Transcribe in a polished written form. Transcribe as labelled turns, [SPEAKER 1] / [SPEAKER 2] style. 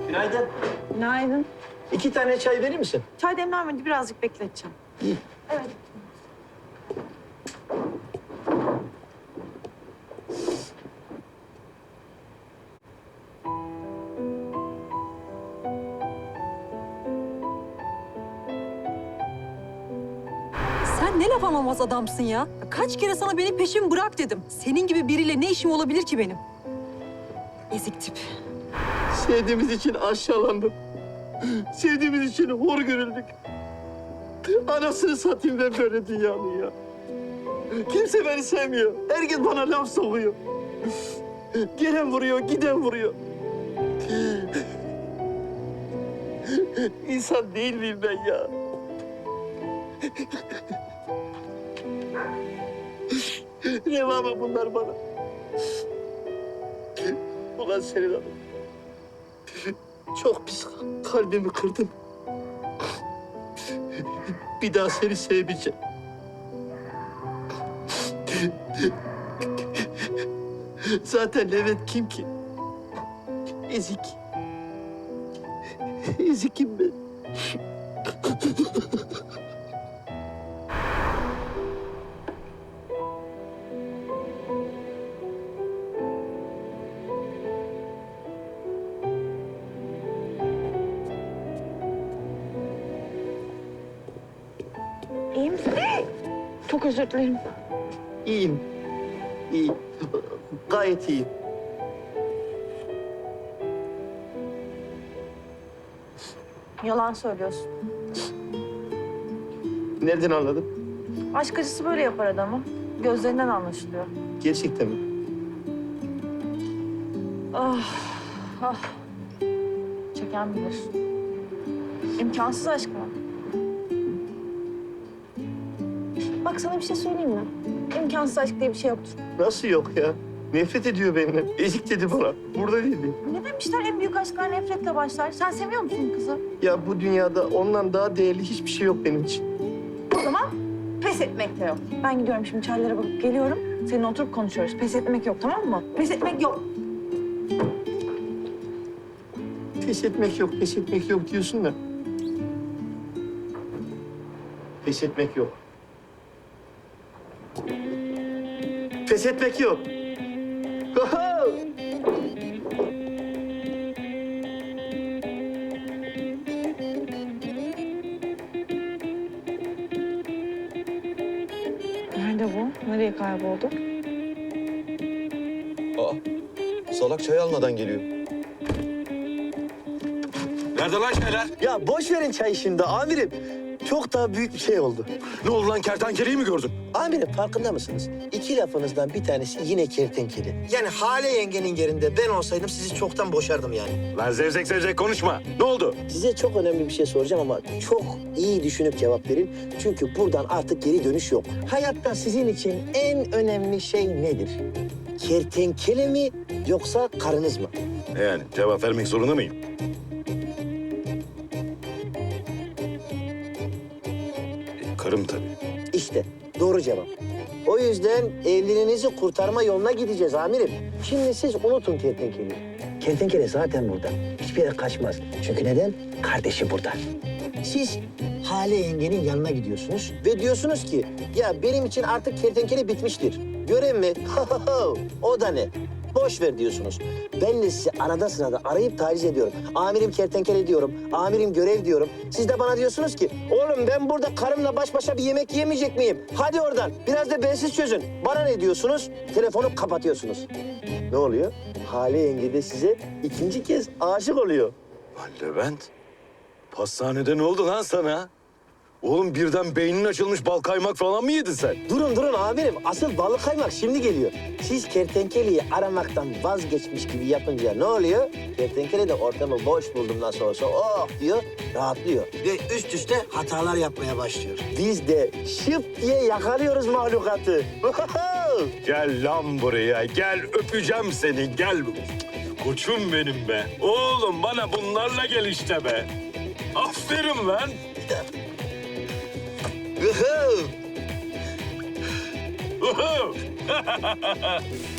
[SPEAKER 1] Günaydın.
[SPEAKER 2] Günaydın.
[SPEAKER 1] 2 tane çay verir misin?
[SPEAKER 2] Çay demlenmedi, birazcık bekleteceğim.
[SPEAKER 1] İyi.
[SPEAKER 2] Evet.
[SPEAKER 3] Sen ne laf anlamaz adamsın ya. Kaç kere sana benim peşimi bırak dedim. Senin gibi biriyle ne işim olabilir ki benim? Ezik tip.
[SPEAKER 1] Sevdiğimiz için aşağılandık. Sevdiğimiz için hor görüldük. Anasını satayım ben böyle dünyanın ya. Kimse beni sevmiyor. Herkes bana laf sokuyor. Gelen vuruyor, giden vuruyor. İnsan değil miyim ben ya? Reva mı bunlar bana? Ulan senin hanım. Çok pis kalbimi kırdın. Bir daha seni sevmeyeceğim. Zaten Levent kim ki? Ezik. Ezikim ben.
[SPEAKER 2] İyi misin? Çok özür dilerim.
[SPEAKER 1] İyiyim. İyi. Gayet iyiyim.
[SPEAKER 2] Yalan söylüyorsun.
[SPEAKER 1] Nereden anladın?
[SPEAKER 2] Aşk acısı böyle yapar adamı. Gözlerinden anlaşılıyor.
[SPEAKER 1] Gerçekten mi?
[SPEAKER 2] Ah, ah. Çeken bilir. İmkansız aşk mı? Bak sana bir şey söyleyeyim mi? İmkansız aşk diye bir şey yoktur.
[SPEAKER 1] Nasıl yok ya? Nefret ediyor benimle. Ezik dedi bana. Burada değildi.
[SPEAKER 2] Ne demişler, en büyük aşklar nefretle başlar. Sen seviyor musun kızı?
[SPEAKER 1] Ya bu dünyada ondan daha değerli hiçbir şey yok benim için.
[SPEAKER 2] O zaman pes etmek de yok. Ben gidiyorum şimdi, çaylara bakıp geliyorum. Seninle oturup konuşuyoruz. Pes etmek yok, tamam mı? Pes etmek yok.
[SPEAKER 1] Pes etmek yok, pes etmek yok diyorsun da. Pes etmek yok. Pes etmek yok.
[SPEAKER 2] Nerede bu? Nereye kayboldu?
[SPEAKER 4] Aa, salak çay almadan geliyor. Nerede lan şeyler?
[SPEAKER 1] Ya boş verin çay şimdi amirim. Çok daha büyük bir şey oldu.
[SPEAKER 4] Ne oldu lan, kertenkeleyi mi gördün?
[SPEAKER 1] Amirim farkında mısınız? 2 lafınızdan bir tanesi yine kertenkele. Yani Hale yengenin yerinde ben olsaydım sizi çoktan boşardım yani.
[SPEAKER 4] Lan zevzek zevzek konuşma. Ne oldu?
[SPEAKER 1] Size çok önemli bir şey soracağım ama çok iyi düşünüp cevap verin. Çünkü buradan artık geri dönüş yok. Hayatta sizin için en önemli şey nedir? Kertenkele mi yoksa karınız mı?
[SPEAKER 4] Yani cevap vermek zorunda mıyım? Karım tabii.
[SPEAKER 1] İşte doğru cevap. O yüzden evliliğinizi kurtarma yoluna gideceğiz amirim. Şimdi siz unutun kertenkeleyi. Kertenkele zaten burada. Hiçbir yere kaçmaz. Çünkü neden? Kardeşi burada. Siz Hale yengenin yanına gidiyorsunuz ve diyorsunuz ki ya benim için artık kertenkele bitmiştir. Görev mi? O da ne? Boş ver diyorsunuz. Ben de sizi arada sırada arayıp taciz ediyorum. Amirim kertenkele diyorum, amirim görev diyorum. Siz de bana diyorsunuz ki oğlum ben burada karımla baş başa bir yemek yemeyecek miyim? Hadi oradan biraz da bensiz çözün. Bana ne diyorsunuz? Telefonu kapatıyorsunuz. Ne oluyor? Hale yenge de size ikinci kez aşık oluyor.
[SPEAKER 4] Lan Levent, pastanede ne oldu lan sana? Oğlum birden beynin açılmış, bal kaymak falan mı yedin sen?
[SPEAKER 1] Durun amirim. Asıl balık kaymak şimdi geliyor. Siz kertenkeleyi aramaktan vazgeçmiş gibi yapınca ne oluyor? Kertenkele de ortamı boş buldum nasıl olsa oh diyor, rahatlıyor. Ve üst üste hatalar yapmaya başlıyor. Biz de şıp diye yakalıyoruz mahlukatı.
[SPEAKER 4] Gel lan buraya, gel öpeceğim seni, gel. Koçum benim be. Oğlum bana bunlarla gel işte be. Aferin lan.
[SPEAKER 1] Uhuu.
[SPEAKER 4] Uhu!